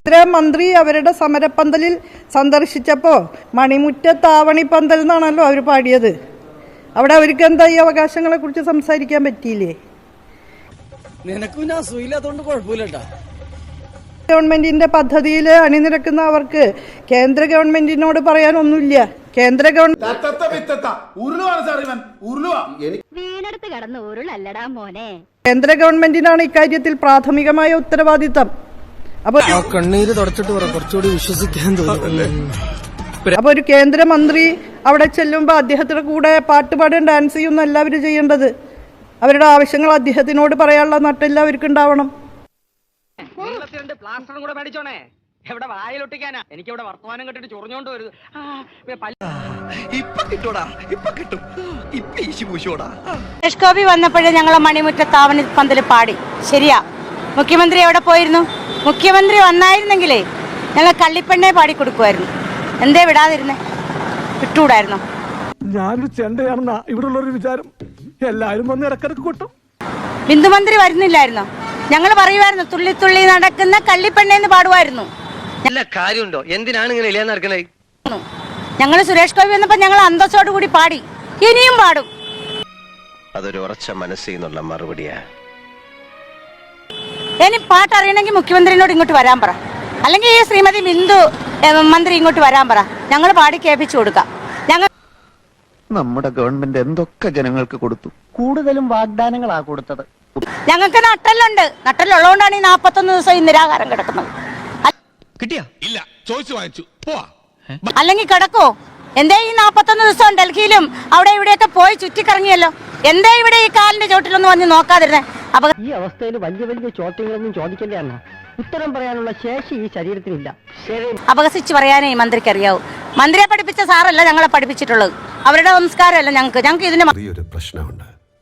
മന്ത്രി അവരുടെ സമരപ്പന്തലിൽ സന്ദർശിച്ചപ്പോൾ മണിമുറ്റത്താവണി പന്തൽ എന്നാണല്ലോ അവർ പാടിയത്. അവിടെ അവർക്ക് എന്താ ഈ അവകാശങ്ങളെ കുറിച്ച് സംസാരിക്കാൻ പറ്റിയില്ലേ? ഗവൺമെന്റിന്റെ പദ്ധതിയിൽ അണിനിരക്കുന്ന അവർക്ക് കേന്ദ്ര ഗവൺമെന്റിനോട് പറയാനൊന്നുമില്ല. കേന്ദ്ര ഗവൺമെന്റിനാണ് ഇക്കാര്യത്തിൽ പ്രാഥമികമായ ഉത്തരവാദിത്തം. അപ്പൊ കണ്ണീര് തുടച്ചിട്ട് കുറച്ചുകൂടി വിശ്വസിക്കാൻ തോന്നുന്നു. അപ്പൊ ഒരു കേന്ദ്രമന്ത്രി അവിടെ ചെല്ലുമ്പോ അദ്ദേഹത്തിന്റെ കൂടെ പാട്ടുപാടും ഡാൻസ് ചെയ്യുന്ന എല്ലാവരും ചെയ്യേണ്ടത്. അവരുടെ ആവശ്യങ്ങൾ അദ്ദേഹത്തിനോട് പറയാനുള്ള നട്ടെല്ലാം അവർക്ക് ഉണ്ടാവണം. സുരേഷ് ഗോപി വന്നപ്പോഴേ ഞങ്ങളെ മണിമുറ്റത്താവണി പന്തൽ പാടി. ശരിയാ, മുഖ്യമന്ത്രി എവിടെ പോയിരുന്നു? മുഖ്യമന്ത്രി വന്നായിരുന്നെങ്കിലേ ഞങ്ങൾ കള്ളിപ്പെണ്ണെ പാടി കൊടുക്കുമായിരുന്നു. എന്തേ വിടാതിരുന്നേ? വിട്ടുകൂടായിരുന്നോ? ഞാനൊരു ചെണ്ടയാണെന്നാ ഇവിടെ ഉള്ളൊരു വിചാരം. എല്ലാരും വന്ന് ഇടക്കിടക്ക് കൊട്ടും. ബിന്ദുമന്ത്രി വരുന്നില്ലായിരുന്നോ? ഞങ്ങൾ പറയുമായിരുന്നു തുള്ളി തുള്ളി നടക്കുന്ന കള്ളിപ്പെണ്ണെന്ന് പാടുമായിരുന്നു. കാര്യമുണ്ടോ? എന്തിനാണ് ഇങ്ങനെ ഇല്ലാന്ന് നടക്കണേ? ഞങ്ങൾ സുരേഷ് ഗോപി വന്നപ്പോ ഞങ്ങൾ അന്തസ്സോട് കൂടി പാടി. ഇനിയും പാടും. അതൊരു ഉറച്ച മനസ്സിനുള്ള മറുപടിയാ. ഇനി പാട്ടറിയണമെങ്കിൽ മുഖ്യമന്ത്രിനോട് ഇങ്ങോട്ട് വരാൻ പറ, അല്ലെങ്കിൽ ഈ ശ്രീമതി ബിന്ദു മന്ത്രി ഇങ്ങോട്ട് വരാൻ പറ. ഞങ്ങൾ പാടി കേൾപ്പിച്ചു കൊടുക്കാം. ഞങ്ങൾ നമ്മുടെ ഗവൺമെന്റ് എന്തൊക്കെ ജനങ്ങൾക്ക് കൊടുത്തു? കൂടുതലും വാഗ്ദാനങ്ങളാ കൊടുത്തത്. ഞങ്ങൾക്ക് നട്ടലുണ്ട്. നട്ടലുള്ളതുകൊണ്ടാണ് ഈ 41 ദിവസം ഈ നിരാഹാരം കിടക്കുന്നത്. അല്ലെങ്കിൽ കിടക്കോ? എന്തേ ഈ 41 ദിവസം ഡൽഹിയിലും അവിടെ ഇവിടെയൊക്കെ പോയി ചുറ്റിക്കറങ്ങിയല്ലോ. എന്തേ ഇവിടെ ഈ കാലിന്റെ ചോട്ടിലൊന്നും വന്ന് നോക്കാതിരുന്നേ? ഈ അവസ്ഥയിൽ വലിയ വലിയ ചോദ്യങ്ങളൊന്നും ചോദിക്കല്ലേ അണ്ണ. ഉത്തരം പറയാനുള്ള ശേഷി ഈ ശരീരത്തിനില്ല. അപഹസിച്ച് പറയാനേ മന്ത്രിക്ക് അറിയാവൂ. മന്ത്രിയെ പഠിപ്പിച്ച സാറല്ല ഞങ്ങളെ പഠിപ്പിച്ചിട്ടുള്ളത്. അവരുടെ സംസ്കാരമല്ല ഞങ്ങൾക്ക് ഇതിന് ഒരു പ്രശ്നമുണ്ട്.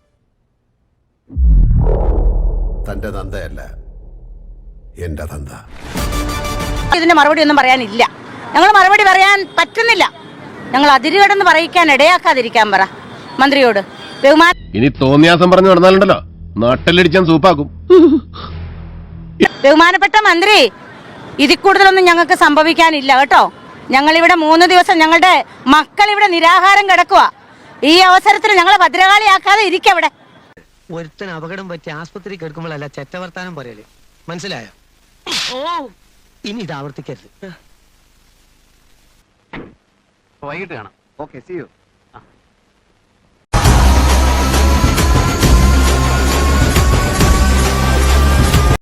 തന്റെ തന്തയല്ല എന്റെ തന്ത. ഇതിന് മറുപടി ഒന്നും പറയാനില്ല. ഞങ്ങൾ മറുപടി പറയാൻ പറ്റുന്നില്ല. ഞങ്ങൾ അതിരുകടന്ന് പറയിക്കാൻ ഇടയാക്കാതിരിക്കാൻ പറ മന്ത്രിയോട്. ഇനി തോന്നിയാസം പറഞ്ഞു നടന്നാലുണ്ടല്ലോ നാട്ടിലടിച്ചാൻ സൂപ്പാക്കും. ബഹുമാനപ്പെട്ട മന്ത്രി, ഇതിൽ കൂടുതലൊന്നും ഞങ്ങൾക്ക് സംഭവിക്കാനില്ല കേട്ടോ. ഞങ്ങളിവിടെ 3 ദിവസം ഞങ്ങളുടെ മക്കൾ ഇവിടെ നിരാഹാരം കിടക്കുക. ഈ അവസരത്തിൽ ഞങ്ങളെ ഭദ്രകാളിയാക്കാതെ ഇരിക്കവിടെ. ഒരുത്തന് അപകടം പറ്റി ആസ്പത്രി കിടക്കുമ്പോഴല്ല ചെറ്റവർത്താനം പറയല്. മനസ്സിലായോ? ഇനി ഇത് ആവർത്തിക്കരുത്. വൈകിട്ട് കാണാം. Okay, see U.